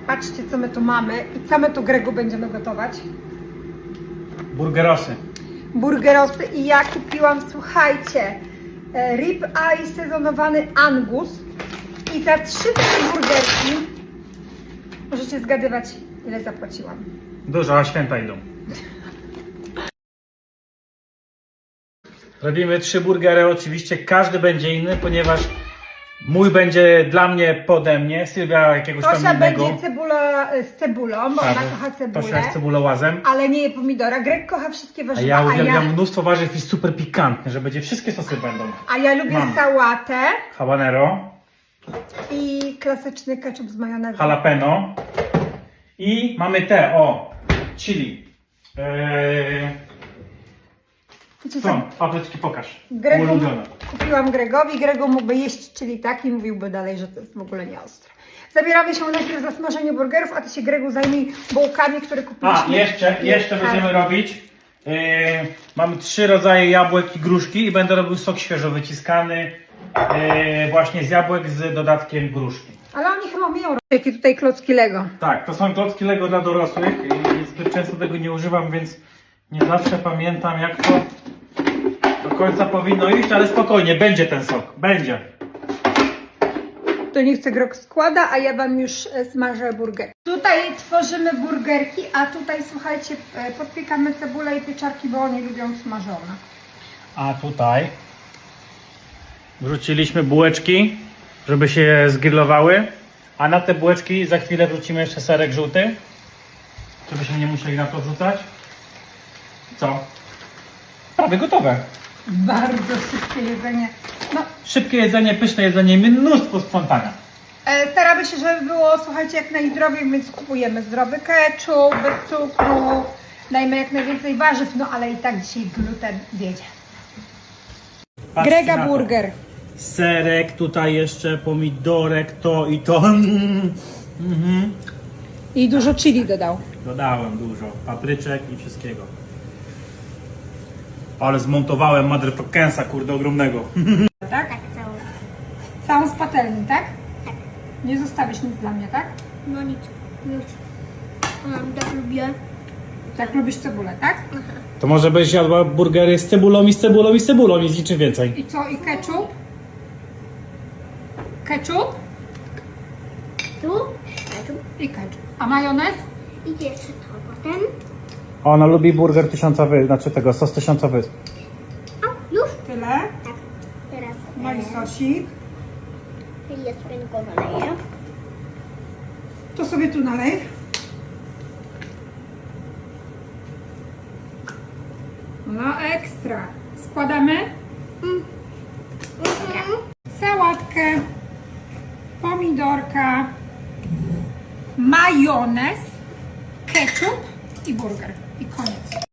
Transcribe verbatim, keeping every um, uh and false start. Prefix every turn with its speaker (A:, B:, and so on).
A: Patrzcie, co my tu mamy i co my tu, Gregu, będziemy gotować.
B: Burgerosy.
A: Burgerosy i ja kupiłam, słuchajcie, rib eye sezonowany Angus i za trzy takie burgerki możecie zgadywać, ile zapłaciłam.
B: Dużo, a święta idą. Robimy trzy burgery, oczywiście każdy będzie inny, ponieważ mój będzie dla mnie, pode mnie, Sylwia jakiegoś
A: Tosia
B: tam innego.
A: będzie cebula z cebulą, bo
B: Tak,
A: ona kocha cebulę,
B: Tosia jest cebulołazem.
A: ale nie je pomidora. Greg kocha wszystkie
B: A
A: warzywa,
B: ja
A: a
B: uwielbiam
A: ja,
B: mnóstwo warzyw i super pikantny, że będzie wszystkie sosy będą.
A: a ja lubię
B: Mam.
A: sałatę
B: Habanero,
A: i klasyczny ketchup z majonezem.
B: jalapeno i mamy te, o, chili. Eee,
A: Wiecie
B: są,
A: co?
B: papryczki, pokaż.
A: Gregu,
B: Ulubione.
A: kupiłam Gregowi, Gregu mógłby jeść czyli tak i mówiłby dalej, że to jest w ogóle nie ostre. Zabieramy się najpierw za smażenie burgerów, a ty się, Gregu, zajmij bułkami, które kupiliśmy.
B: A, jeszcze, jeszcze
A: Tak.
B: będziemy robić. Yy, mamy trzy rodzaje jabłek i gruszki i będę robił sok świeżo wyciskany yy, właśnie z jabłek z dodatkiem gruszki.
A: Ale oni chyba umieją. Jakie tutaj klocki Lego.
B: Tak, to są klocki Lego dla dorosłych i zbyt często tego nie używam, więc nie zawsze pamiętam, jak to do końca powinno iść, ale spokojnie, będzie ten sok, będzie.
A: To niech chce Grog składa, a ja wam już e, smażę burger. Tutaj tworzymy burgerki, a tutaj, słuchajcie, e, podpiekamy cebulę i pieczarki, bo oni lubią smażone.
B: A tutaj wrzuciliśmy bułeczki, żeby się zgrillowały, a na te bułeczki za chwilę wrzucimy jeszcze serek żółty, żebyśmy nie musieli na to wrzucać. Co? Prawie gotowe.
A: Bardzo szybkie jedzenie. No,
B: Szybkie jedzenie, pyszne jedzenie, mnóstwo sprzątania.
A: e, staramy się, żeby było, słuchajcie, jak najzdrowiej, więc kupujemy zdrowy ketchup, bez cukru, dajmy jak najwięcej warzyw, no ale i tak dzisiaj gluten wiedzie.
B: Patrzcie
A: Grega
B: na to.
A: burger.
B: Serek, tutaj jeszcze pomidorek, to i to. Mhm.
A: I dużo chili dodał.
B: Dodałem dużo papryczek i wszystkiego. Ale zmontowałem motherfuckersa, kurde, ogromnego.
A: Tak?
C: Tak, cały.
A: Całą z patelni, tak?
C: Tak.
A: Nie zostawisz nic dla mnie, tak?
C: No nic, już. Um, tak lubię.
A: Tak lubisz cebulę, tak?
B: To może byś jadła burgery z cebulą i z cebulą i z cebulą i z niczym więcej.
A: I co? I ketchup? Ketchup?
C: Tu, ketchup.
A: I ketchup. A majonez?
C: I jeszcze to potem.
B: Ona lubi burger tysiąca wysp, znaczy tego, sos tysiąca wysp.
C: O, już?
A: Tyle.
C: Tak. Teraz
A: No i sosik.
C: e, ja sobie go naleję.
A: To sobie tu nalej. No ekstra. Składamy
C: Mm. Mhm.
A: sałatkę, pomidorka, majonez, ketchup i burger. I koniec.